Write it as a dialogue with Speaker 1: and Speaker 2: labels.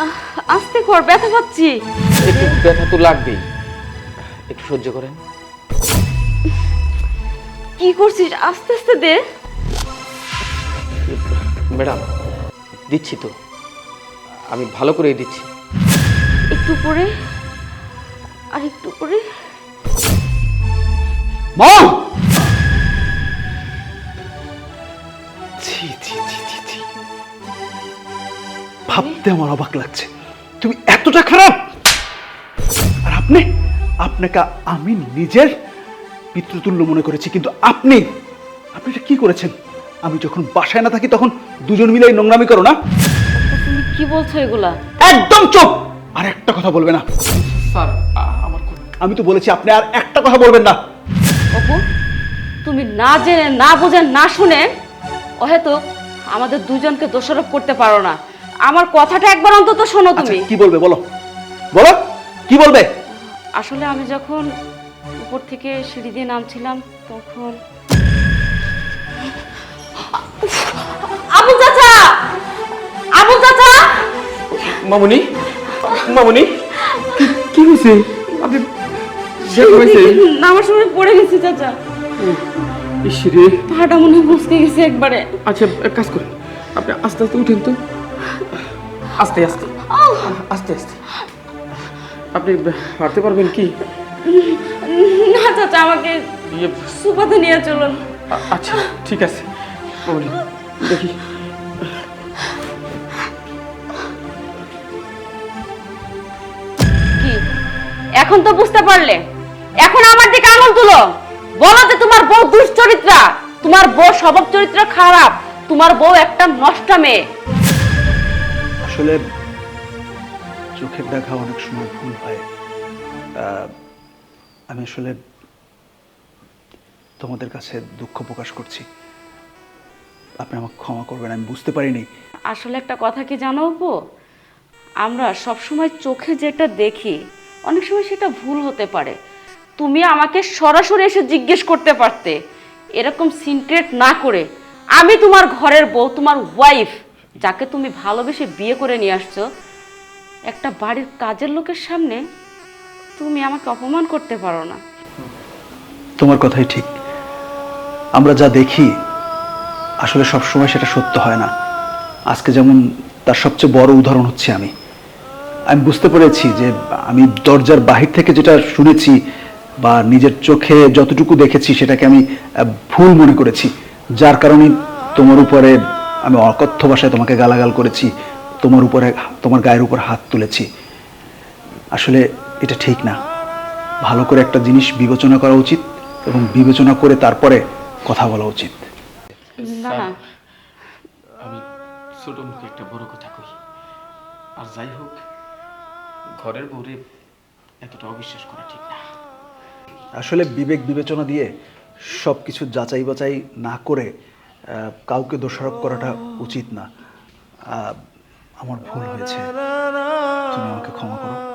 Speaker 1: আস্তে কর, ব্যথা পাচ্ছি।
Speaker 2: একটু ব্যথা তো লাগবেই, একটু সহ্য করেন।
Speaker 1: কি করছিস? আস্তে আস্তে দে।
Speaker 2: ম্যাডাম দিচ্ছি তো, আমি ভালো করেই দিচ্ছি।
Speaker 1: একটু পরে, আর একটু পরে।
Speaker 3: মা! ছি ছি ছি ছি ছি, ভাবতে আমার অবাক লাগছে, তুমি এতটা খারাপ। আর আপনাকে আমি নিজের পিতৃতুল্য মনে করেছি, কিন্তু আপনি এটা কি করেছেন? আমি যখন বাসায় না থাকি তখন দুজন মিলে এই নোংরামি করো না?
Speaker 1: তুমি কি বলছো এগুলা?
Speaker 3: একদম চুপ! আর একটা কথা বলবে না।
Speaker 2: স্যার আমার
Speaker 3: আমি তো বলেছি আপনি আর একটা কথা বলবেন না।
Speaker 1: অপু, তুমি না জেনে, না বুঝে, না শুনে হয়তো আমাদের দুজনকে দোষারোপ করতে পারো না। আমার কথাটা একবার অন্তত শোনো তুমি।
Speaker 3: কি বলবে বলো, বলো কি বলবে?
Speaker 1: আসলে আমি যখন উপর থেকে সিঁড়ি দিয়ে নামছিলাম তখন আবুল চাচা, আবুল চাচা!
Speaker 2: মামুনি, মামুনি কি হয়েছে? আপনি
Speaker 1: নামার সময় পড়ে গেছি চাচা,
Speaker 2: ইসরে,
Speaker 1: পাটা মনে হয় মুচকে গেছে একবারে।
Speaker 2: আচ্ছা এক কাজ করুন, আপনি আস্তে আস্তে উঠেন তো, আস্তে আস্তে আস্তে আস্তে। আপনি হাঁটতে পারবেন কি?
Speaker 1: না চাচা, আমাকে সুপাতে নিয়ে চলুন।
Speaker 2: আচ্ছা ঠিক আছে মামুনি, দেখি।
Speaker 1: কি এখন তো বুঝতে পারলে? এখন আমার দিকে আঙুল তুলো, বলো যে তোমার বউ দুশ্চরিত্রা, তোমার বউ স্বভাব চরিত্র খারাপ, তোমার বউ একটা নষ্টা মেয়ে।
Speaker 3: আসলে চোখের দেখা অনেক সময় ভুল হয়। আমি আসলে তোমাদের কাছে দুঃখ প্রকাশ করছি, আপনি আমাকে ক্ষমা করবেন, আমি বুঝতে পারিনি।
Speaker 1: আসলে একটা কথা কি জানো অপু, আমরা সবসময় চোখে যেটা দেখি অনেক সময় সেটা ভুল হতে পারে। তুমি আমাকে সরাসরি এসে জিজ্ঞেস করতে পারতে, এরকম সিনক্রেট না করে। আমি তোমার ঘরের বউ, তোমার ওয়াইফ, যাকে তুমি ভালোবেসে বিয়ে করে নিয়ে আসছো, একটা বাড়ির কাজের লোকের সামনে তুমি আমাকে অপমান করতে পারো না।
Speaker 3: তোমার কথাই ঠিক, আমরা যা দেখি আসলে সব সময় সেটা সত্য হয় না। আজকে যেমন তার সবচেয়ে বড় উদাহরণ হচ্ছে আমি বুঝতে পেরেছি যে আমি দরজার বাহির থেকে যেটা শুনেছি বা নিজের চোখে যতটুকু দেখেছি সেটাকে আমি ভুল মনে করেছি, যার কারণে তোমার উপরে আমি অকথ্য ভাষায় তোমাকে গালাগাল করেছি, তোমার গায়ের উপর হাত তুলেছি। আসলে এটা ঠিক না। ভালো করে একটা জিনিস বিবেচনা করা উচিত এবং বিবেচনা করে তারপরে কথা বলা উচিত।
Speaker 1: না না,
Speaker 2: আমি ছোট মুখে একটা বড় কথা কই, আর যাই হোক ঘরের বউরে এতটা অবিশ্বাস করা ঠিক না।
Speaker 3: আসলে বিবেক বিবেচনা দিয়ে সব কিছু যাচাই বাছাই না করে কাউকে দোষারোপ করাটা উচিত না। আমার ভুল হয়েছে, তুমি আমাকে ক্ষমা করো।